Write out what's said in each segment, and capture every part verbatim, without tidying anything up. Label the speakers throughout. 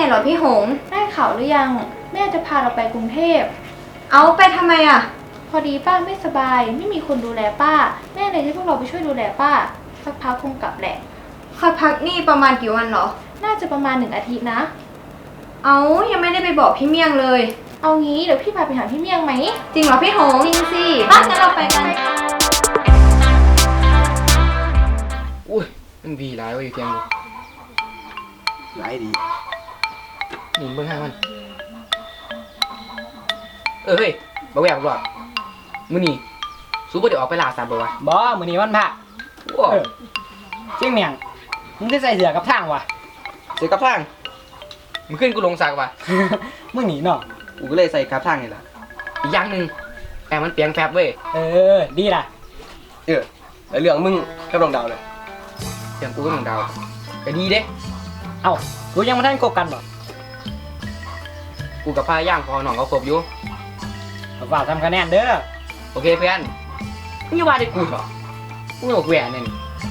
Speaker 1: เหรอพี่หง
Speaker 2: ได้ข่าวหรือยังแม่จะพาเราไปกรุงเทพ
Speaker 1: เอาไปทำไมอ่ะ
Speaker 2: พอดีป้าไม่สบายไม่มีคนดูแลป้าแม่เลยให้พวกเราไปช่วยดูแลป้าสักพักคงกลับแหละ
Speaker 1: ค่อยพักนี่ประมาณกี่วันเหรอ
Speaker 2: น่าจะประมาณหนึ่งอาทิตย์นะ
Speaker 1: เอายังไม่ได้ไปบอกพี่เมี่ยงเลย
Speaker 2: เอางี้เดี๋ยวพี่พาไปหาพี่เมี่ยงไหม
Speaker 1: จริงเหรอพี่หง
Speaker 2: จริงสิ
Speaker 1: ป้างั้นเราไปกัน
Speaker 3: อุ้ยมันวีร้ายว่ะอยู่เทียงกู
Speaker 4: ร้ายดี
Speaker 3: หนีเบื้องห้างมันเออเฮ้ยบ่แหวกหรอกมื้อนี้ซูบ่ได้ออกไปล่าสัตว์บ่วะ
Speaker 5: บ่มื้อนี้วันพระ
Speaker 3: ว้า
Speaker 5: เจียงเมียงมึงได้ใส่เสื้อกับทางวะ
Speaker 3: เสือกับทางมึงขึ้นกูลงสักวะ
Speaker 5: มึงหนีเนาะ
Speaker 4: กูก็เลยใส่กับทางนี่แหละ
Speaker 3: อีกอย่างหนึ่งแอบมันเปียงแฟบเว้ย
Speaker 5: เออดีล่ะ
Speaker 4: เออแล้วเรื่องมึงกับดวงดาวเลย
Speaker 3: เรื่องกูกับดวงดาวก็ดีเด้
Speaker 5: เอ้ากูยังไม่ทันคบกันบ่
Speaker 3: กูกับพาย่างพอหนองเขาครบอยู่
Speaker 5: ฝากทำคะแนนเด้อ
Speaker 3: โอเคเพื่อนมึงอย่าว่าได้กูหรอกูบอกแหวนนี่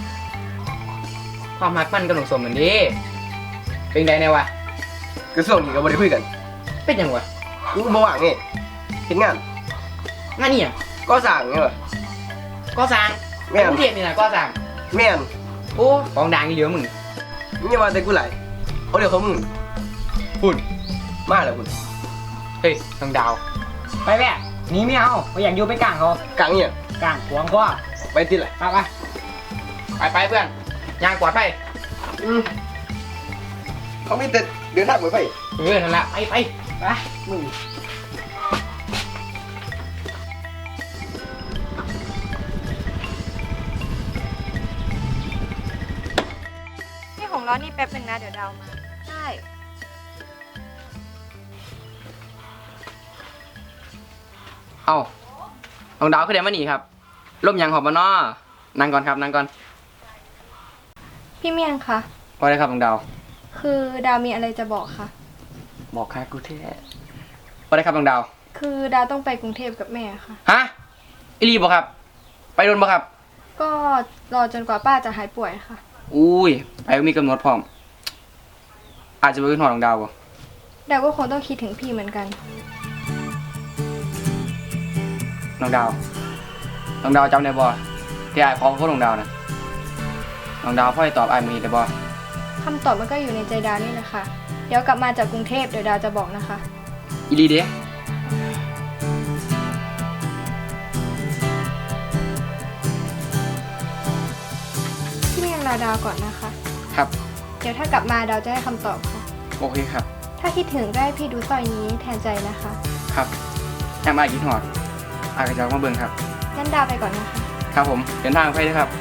Speaker 3: ความรักมันกับหนุ่มสมเหมือนดิเป็นไงเนี่ยวะ
Speaker 4: กระทรวงนี้ก็บ่ได้คุยกัน
Speaker 3: เป็นยังวะ
Speaker 4: กูบ่ว่างนี่เฮ็ดงาน
Speaker 3: งานนี่อ่ะ
Speaker 4: ก่อสร้างไงวะ
Speaker 3: ก่อสร้างแม่กรุงเทพนี่นะก่อสร้าง
Speaker 4: แม่น
Speaker 3: โอ้ของดังอีเหลือมึง
Speaker 4: มึงอย่าว่าแต่กูไหลเอาเดี๋ยวเขามึงพุ่นมาแล้วพุ่น
Speaker 3: เฮ้ยทางดาว
Speaker 5: ไปแม่หนีไม่เอาไม่อยากอยู่ไปกลางเขา
Speaker 4: กลางเนี่ย
Speaker 5: กลางขวางก็
Speaker 4: ไปติดเลย
Speaker 5: ไปไป
Speaker 3: ไปไปเพื่อนย่างกวาดไป
Speaker 4: อืมเขาไม่แต่เดินทางไปไป
Speaker 3: เออนั่นแหละไปไป
Speaker 5: ไปมึง
Speaker 1: พี่หงรอนี่แป๊บนึงนะเดี๋ยวดาวมา
Speaker 2: ใช่
Speaker 3: เอ้าน้องดาวคือเดี๋ยวมาหนีครับร่มยังหอบมาน้อนั่งก่อนครับนั่งก่อน
Speaker 2: พี่เมี่ยงคะ
Speaker 3: ว่าได้ครับน้องดาว
Speaker 2: คือดาวมีอะไรจะบอกค่ะ
Speaker 3: บอกค่ะกูเท่ว่าได้ครับน้องดาว
Speaker 2: คือดาวต้องไปกรุงเทพกับแม่ค่ะ
Speaker 3: ฮะอิลีบอกครับไปโดนบอกครับ
Speaker 2: ก็รอจนกว่าป้าจะหายป่วยค่ะ
Speaker 3: อุ้ยไปมีกำหนดพร้อมอาจจะไปขึ้นหอน้องดาวบ่
Speaker 2: ดาวก็คงต้องคิดถึงพี่เหมือนกัน
Speaker 3: น้องดาวน้องดาวจำได้บ่ที่ไอ้ขอโทษน้องดาวนะน้องดาวพ่อให้ตอบไอ้มือได้บ่
Speaker 2: คำตอบมันก็อยู่ในใจดาวนี่แหละค่ะเดี๋ยวกลับมาจากกรุงเทพเดี๋ยวดาวจะบอกนะคะ
Speaker 3: อีลีเด้
Speaker 2: พี่เมี่ยงรอดาวก่อนนะคะ
Speaker 3: ครับ
Speaker 2: เดี๋ยวถ้ากลับมาดาวจะให้คำตอบค่ะ
Speaker 3: โอเคครับ
Speaker 2: ถ้าคิดถึงก็ให้พี่ดูสร้อยนี้แทนใจนะคะ
Speaker 3: ครับแอมอาคิดหอดอากระจอกมาเบิ่งครับ
Speaker 2: งั้นดาวไปก่อนนะคะ
Speaker 3: ครับผมเดินทางไปด้วยครับ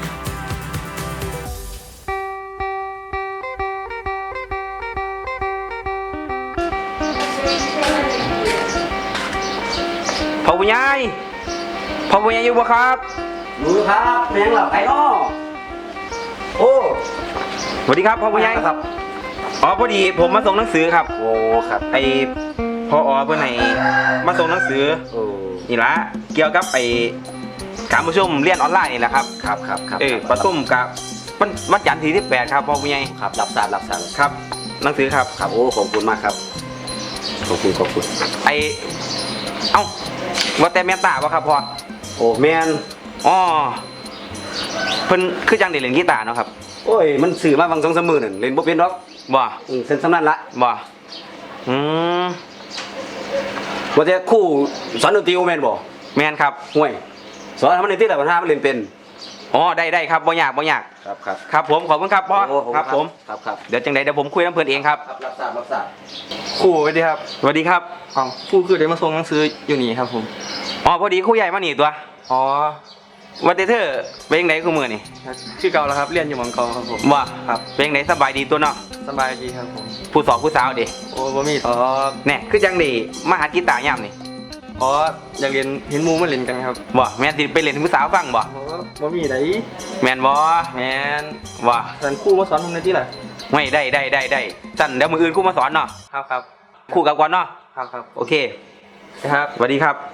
Speaker 6: พ่อผู้ใหญ่พ่อผู้ใหญ่อยู่บ่ครับ
Speaker 4: อยู่ครับแม่งหลับไอ้อ้อโอ้
Speaker 6: สวัสดีครับพ่อผู้ใหญ่
Speaker 4: ครับ
Speaker 6: อ๋อพอดีผมมาส่งหนังสือครับ
Speaker 4: โอ้ครับ
Speaker 6: ไอพ่ออ๋อเพื่อนไหนมาส่งหนังสือ
Speaker 4: โอ้
Speaker 6: นี่ละเกี่ยวกับไอการประชุมเรียนออนไลน์นี่แหละครับ
Speaker 4: ครับครับครับ
Speaker 6: เออประชุมกับวันวันจันทร์ที่สิบแปดครับพ่อผู้ใหญ่
Speaker 4: ครับรับทราบรับทราบ
Speaker 6: ครับหนังสือครับ
Speaker 4: ครับโอ้ขอบคุณมากครับขอบคุณขอบคุณ
Speaker 6: ไอเอ้าว่าแต่แม่ตาบ่ครับพ่อ
Speaker 4: โอ้แม่น
Speaker 6: อ๋อเพิ่นคือจังได้เล่นกีตาร์เนาะครับ
Speaker 4: โอ้ยมันสื่อมาบางสองสามมื้อนั่นเล่นบ่เป็นหรอก
Speaker 6: บ่
Speaker 4: เส้นสำนันละ
Speaker 6: บ่อืม
Speaker 4: ว่าแต่ครูสอนดนตรีแม่นบ่
Speaker 6: แม่นครับ
Speaker 4: ห่วยสอนทำมันในที่ละปัญหามันเล่นเป็น
Speaker 6: อ๋อได้ได้ครับบ่ยากบ่ยาก
Speaker 4: ครับครับ
Speaker 6: ครับผมขอบคุณครับพ่อครับผม
Speaker 4: ครับครับ
Speaker 6: เดี๋ยวจังไดเดี๋ยวผมคุยน้ำเพิ่นเองครับ
Speaker 4: รับทราบรับทราบ
Speaker 7: ครูสวัสดีครับ
Speaker 6: สวัสดีครับ
Speaker 7: อ๋อครูคือได้มาส่งหนังสืออยู่นี่ครับผม
Speaker 6: อ๋อพอดีครูใหญ่มาหนีตัว
Speaker 7: อ๋อ
Speaker 6: วันเดเธอเป็นยังไงคู่มือนี่
Speaker 7: ชื่อเก่าแล้วครับเรียนอยู่มังกรครับผม
Speaker 6: ว่า
Speaker 7: ครับ
Speaker 6: เป็นยังไงสบายดีตัวเนาะ
Speaker 7: สบายดีครับผม
Speaker 6: ผู้สอบผู้สาวดิ
Speaker 7: โอ้บ่มีอ๋อ
Speaker 6: เนี่ยคือจังดีมาหากีตาร์ย่ำนี่
Speaker 7: อ๋ออยากเรียนเห็นมูมาเล่นกันครับ
Speaker 6: บ่แม่นติไปเล่นผู้สาวฟังบ่
Speaker 7: บ่มีไหน
Speaker 6: แม่นบ่
Speaker 7: แม่น
Speaker 6: ว่า
Speaker 7: สันครูมาสอนผมในที่ไหน
Speaker 6: ไม่ได้ได้ได้ได้สั่นเดี๋ยวมืออื่นครูมาสอนเนาะ
Speaker 7: ครับครับ
Speaker 6: ครูกับก่อนเนาะ
Speaker 7: ครับครับ
Speaker 6: โอเค
Speaker 7: ครับ
Speaker 6: สวัสดีครับ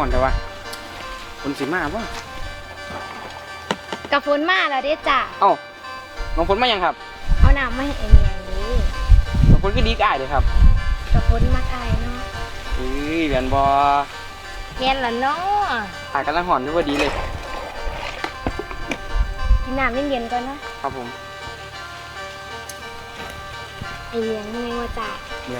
Speaker 3: อนแต่ว่าคนสิมาบ่
Speaker 2: กับฝนมาแล้วเด้จ้ะ
Speaker 3: เอ้าน้องฝนมายังครับ
Speaker 2: เอาน้ำมาให้ไอเมียงนี้
Speaker 3: น้องฝนก็ดีกายเลยครับ
Speaker 2: กับฝนมักอายเนาะ
Speaker 3: เอ้ยเรียนบ่
Speaker 2: เห็นละเนาะ
Speaker 3: อายกำลังหอนอยู่พอดีเลย
Speaker 2: กินน้ำเย็นๆก่อนนะครับ
Speaker 3: ผม
Speaker 2: ไอเมียงมึงไงว่าจ้ะ
Speaker 3: เนี่ย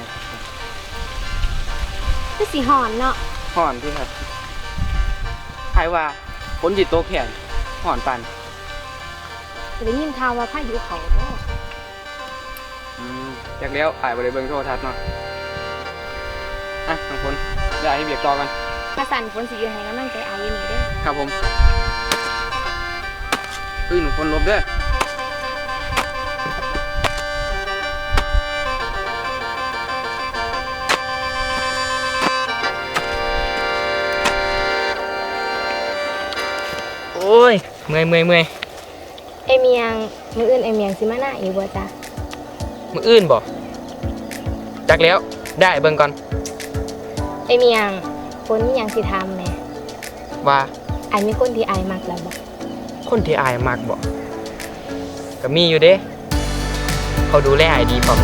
Speaker 2: คือสีหอนเนาะ
Speaker 3: หอนที่ครับใครว่าฝนจิตโตแข็งหอนปัน
Speaker 2: หรือยินข่าวว่าพายุเขาเนาะ
Speaker 3: อืมจากแล้วอายบ่ได้เบิ่งโทรทัศน์เนาะอ่ะน้องฝนเดี๋ยวอายให้เบียกต่อกัน
Speaker 2: กระสันฝนสีอยู่ให้กำลังใจอายอยู่นี่เด้อ
Speaker 3: ครับผมเอ้ยหนูคนลบเด้อ
Speaker 5: โอ้ยเมื่อยเมื่อยเมื่อย
Speaker 2: ไอเมียงมืออื่นไอเมียงสิมาหน้าอีกบ่จ้ะ
Speaker 3: มืออื่นบ่จากแล้วได้เบิ่งก่อน
Speaker 2: ไอเมียงฝนมีหยังสิทำแหม่
Speaker 3: ว่า
Speaker 2: ไอมีคนที่ไอายมักแล้วบ่
Speaker 3: คนที่อายมากบ่ก็มีอยู่เด้เขาดูแลอายดีพร้อม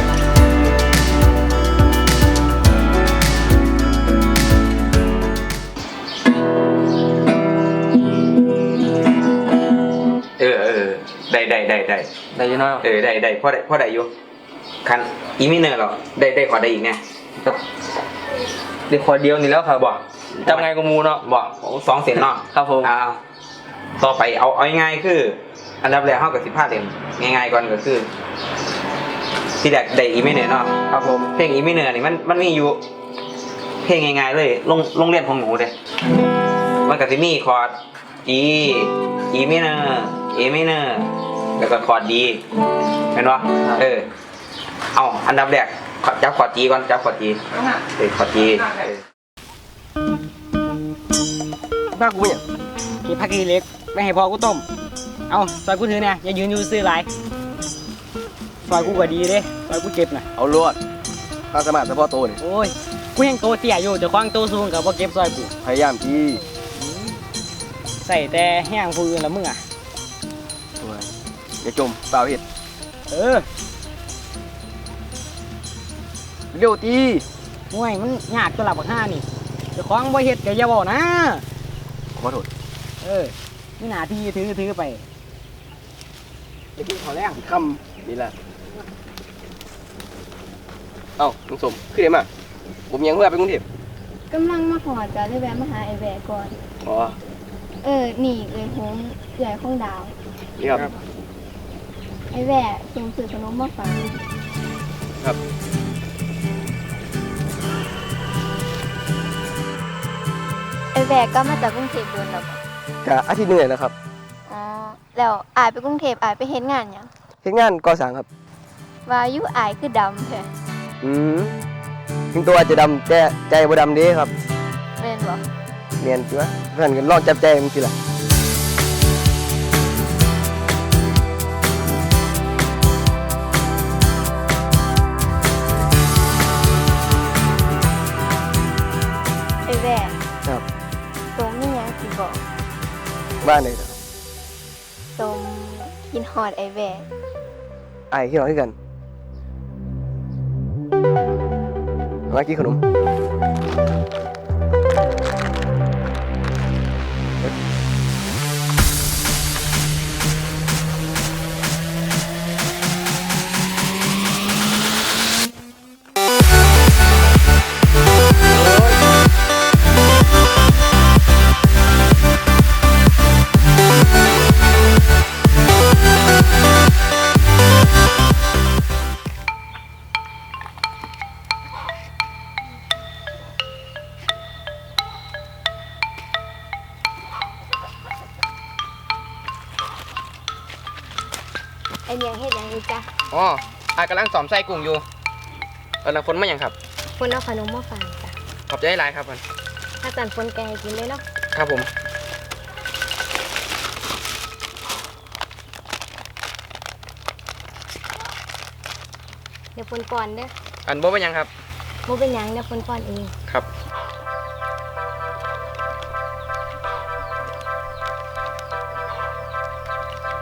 Speaker 6: เออเออได้ได้ได้ได้
Speaker 3: ได้อยินเนาะ
Speaker 6: เออได้ได้พ่อได้พ่อได้อยู่คันอีมิเนอร์หรอได้ได้ขอได้อีกไง
Speaker 7: ได้ขอเดียวนี่แล้วครับ
Speaker 6: บอก
Speaker 7: จำไงกูมูเนาะ
Speaker 6: บอกสองเสียงเนาะ
Speaker 7: ครับผม
Speaker 6: อ่าต่อไปเอาเอาง่ายๆคือ อันดับแรกเข้ากับสิบห้าเล่มง่ายๆก่อนก็คือ ที่แรกได้อีมิเนอร์เนาะ
Speaker 3: ครับผม
Speaker 6: เพลงอีมิเนอร์นี่มันมันมีอยู่ เพลงง่ายๆเลยโรงโรงเรียนของหนูเด้มันก็จะมีคอร์ด G E minor A minor แล้วก็คอร์ด D เห็นปะเออเอาอันดับแรกจับคอร์ด G ก่อนจับคอร์ด G เออคอร์ด G เออ
Speaker 5: บ้ากูเนี่ยเก็บผักกีเล็กไม่ให้พอกูต้มเอาซอยกูถือเนี่ยอย่ายืนอยู่ซื้อหลายซอยกูก็ดีเด้ซอยกูเก็บน่ะ
Speaker 4: เอาลวดถ้าสมัครเฉพาะตัวนี่
Speaker 5: โอ้ยกูยังโตเตี้ยอยู่เดี๋ยวควางโตสูงกับว่าเก็บซอยกู
Speaker 4: พยายามที่
Speaker 5: ใส่แต่แห้งผู้อื่นละมึงอ่ะ
Speaker 4: อย่าจมเปล่าเห็ด
Speaker 5: เออ
Speaker 4: เร็วตี
Speaker 5: ห่วยมันยากตัวหลับบักห้านี่เดี๋ยวควางบ่เฮ็ดเดี๋ยวอย่าบอกนะ
Speaker 4: ขอโทษ
Speaker 5: เออนี่หนาที่ถือถือไปจะกินข้าวแรง
Speaker 4: คำนี่แหละเอ้าลุงสมขึ้นได้มาผมยังเพื่อไปกรุงเทพ
Speaker 2: กำลังมาหอดจ้ะได้แวะมาหาไอแวะก่อน
Speaker 4: อ๋อ
Speaker 2: เออ นี่เอ้ยโฮมเอื่อยของดาว
Speaker 4: นี่ครับ
Speaker 2: ไอแวะส่งสื่อขนมมาฝาก
Speaker 4: ครับ
Speaker 1: ไอแวกก็มาจากกรุงเทพโดนแล้วบ่
Speaker 4: กะอาทิตย์หนึงเลยนะครับ
Speaker 1: อ๋อแล้วอายไปกรุงเทพอายไปเฮ็ดงานหยัง
Speaker 4: เฮ็ดงานก่อสร้างครับ
Speaker 1: ว่าอยู่อายคือดำแท้
Speaker 4: อืมถึงตัวอาจจะดำแต่ใจบ่ดำเด้ครับ
Speaker 1: แม่นบ่
Speaker 4: เนียนจ้ะเพื่อนกันลองจับใจมันสิล่ะ
Speaker 1: ไอแวก
Speaker 4: ครับ
Speaker 1: ตมมีหยังสิบอก
Speaker 4: บ้านไหนครับ
Speaker 1: ตมกินฮอดไอแวก
Speaker 4: ไอ้ที่เราให้กันมากินขนม
Speaker 2: ไอเมียงเฮ็ดหยังอีกจ้ะ
Speaker 3: อ๋ออายกำลังสอมไส้กุ้งอยู่เออแล้วฝนมายังครับ
Speaker 2: คนเอาขนมมาฝากจ้ะ
Speaker 3: ขอบใจหลายครับมัน
Speaker 2: ถ้าจันฝนแกให้กินเลยเนาะ
Speaker 3: ครับผม
Speaker 2: เดี๋ยวฝนก่อนเด้อ
Speaker 3: อันบ่เป็นหยังครับ
Speaker 2: บ่เป็นหยังเดี๋ยวฝนก่อนเอง
Speaker 3: ครับ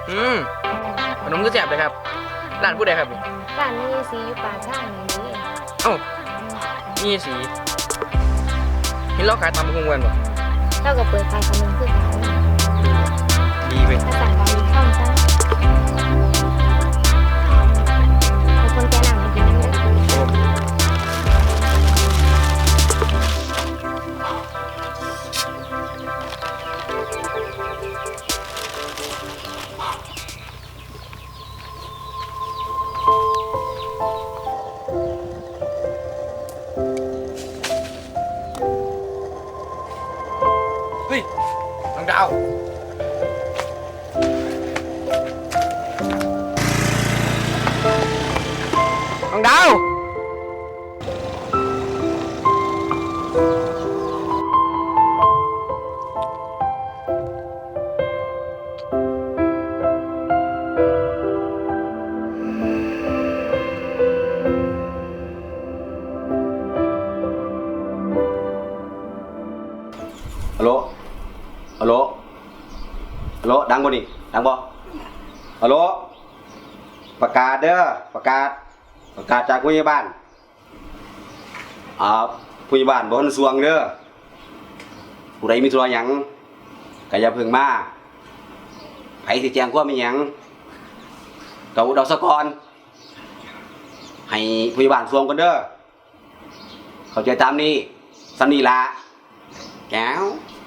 Speaker 3: อืมขนมก็แซ่บเลยครับร้านผู้ใดครับนี่
Speaker 1: ร้านนี้สีอยู่ปากทางนี้
Speaker 3: เอ้านี่สีเห็นเราขายตำบักหุ่งกันบ่
Speaker 1: เท่ากับเปิดขายขนมคือกัน
Speaker 3: ดีเว้ย
Speaker 1: ภาษาไทยคล่องซะให้คนแก่หนังมากินนั่นเลย
Speaker 3: เฮ้ยน้องดาว น้องดาว
Speaker 8: ฮัลโหล ฮัลโหล ฮัลโหล ดังบ่นี่ดังบ่ฮัลโหล ประกาศเด้อ ประกาศ ประกาศจากผู้ใหญ่บ้าน อ่า ผู้ใหญ่บ้านบ่ทันสวงเด้อ ผู้ใดมีธุระหยังก็อย่าเพิ่งมาไผสิแจ้งความมีหยังก็อุดเอาซะก่อน ให้ผู้ใหญ่บ้านสวงกันเด้อ เข้าใจตามนี้สำนี้ล่ะแก้ว